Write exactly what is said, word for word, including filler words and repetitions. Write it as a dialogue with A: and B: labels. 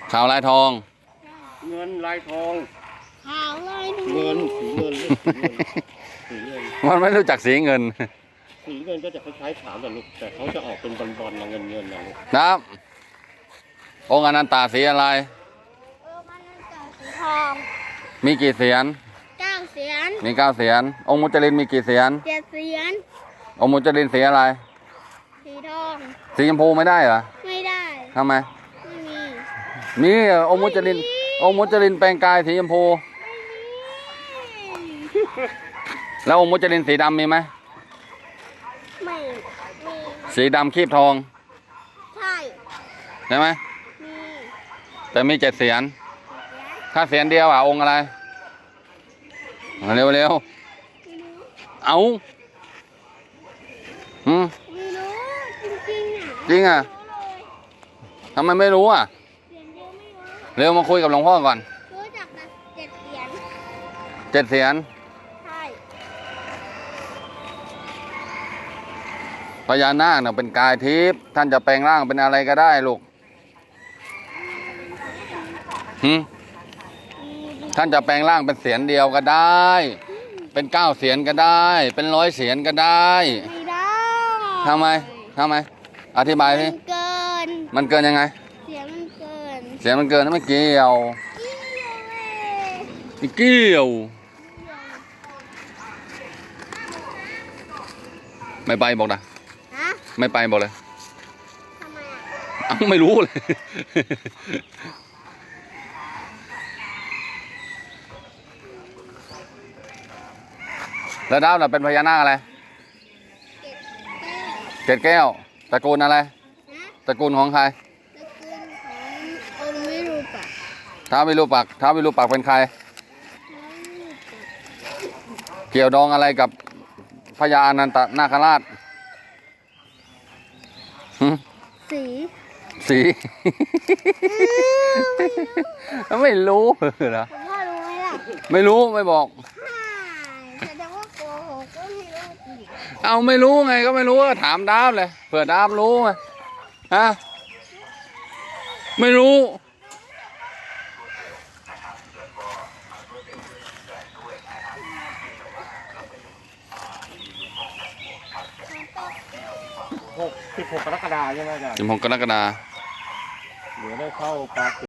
A: ขาวลายทอง
B: เงินลายทอง
C: ขาวลายทอง
B: เงินสีเงินสีเงิน
A: มันไม่รู้จักสีเงิน
B: สีเงินก็จะคล้ายๆขาวแต่ลูกแต่เขาจะออกเป็นบอลๆนะเงินเงินนะลูก
A: นะองค์อนันตาสีอะไร
C: องค์อนันตาสีทอง
A: มีกี่เสียน
C: เก้าเสียน
A: มีเก้าเสียนองค์มุจลินมีกี่เสียน
C: เจ็ดเสียน
A: องค์มุจลินสีอะไร
C: สีทอง
A: สีชมพูไม่ได้เหรอ
C: ไม่ได้
A: ทำไม
C: ไม่มี
A: มีองค์มุจลินองค์มุจลินแปลงกายสีชมพูแล้วองค์มุจลินสีดำมีไหม
C: ไม่มี
A: สีดำคีบทอง
C: ใช่
A: ใช่ไหม
C: มี
A: แต่มีเจ็ดเสียนถ้าเสียนเดียวอ่ะองค์อะไรเร็วเร็วเอาอืม
C: ไม่รู้จริงๆอ่ะ
A: จริงอ่ะทำไมไม่รู้อ่ะ
C: เสียนเดียวไม่รู้
A: เร็วมาคุยกับหลวงพ่อก่อน
C: รู้จักแต่เจ็ดเสียน
A: เจ็ดเสียน
C: ใช่
A: พญานาคเนี่ยเป็นกายทิพย์ท่านจะแปลงร่างเป็นอะไรก็ได้ลูกหืมท่านจะแปลงร่างเป็นเสียนเดียวก็ได้ เป็นเก้าเสียนก็ได้ เป็นร้อยเสียนก็ได้
C: ไม่ได้
A: ทำไมทำไมอธิบายสิ
C: มันเกิน
A: มันเกินยังไง
C: เสียงมันเกิน
A: เสียงมันเกินไม่เกี่ยวไม่เกี่ยวไม่ไปบอกนะไม่ไปบอกเลย
C: ทำไมอ่ะ
A: อ้าวไม่รู้เลยแล้วดาวน่ะเป็นพญานาคอะไรเกศแก้วตระกูลอะไรตระกูลของใคร
C: ตระกูลขององค์วิรูปักษ์
A: ท้าววิรูปักษ์ท้าววิรูปักษ์เป็นใครเกี่ยวดองอะไรกับพญาอนันตนาคราช
C: สี
A: สีไม่รู้เหรอ
C: พ่อรู้ไหมล่ะ
A: ไม่รู้ไม่บอก
C: แสดงว่าโกหกก็ไม่รู้จริง
A: เอาไม่รู้ไงก็ไม่รู้ถามดาบเลยเผื่อดาบรู้ไงฮะไม่รู้
B: หกสิบหกกรกฎาคมใช่ไหมอาจารย์
A: สิบหกกรกฎาคม
B: เดี๋ยวได้เข้าปา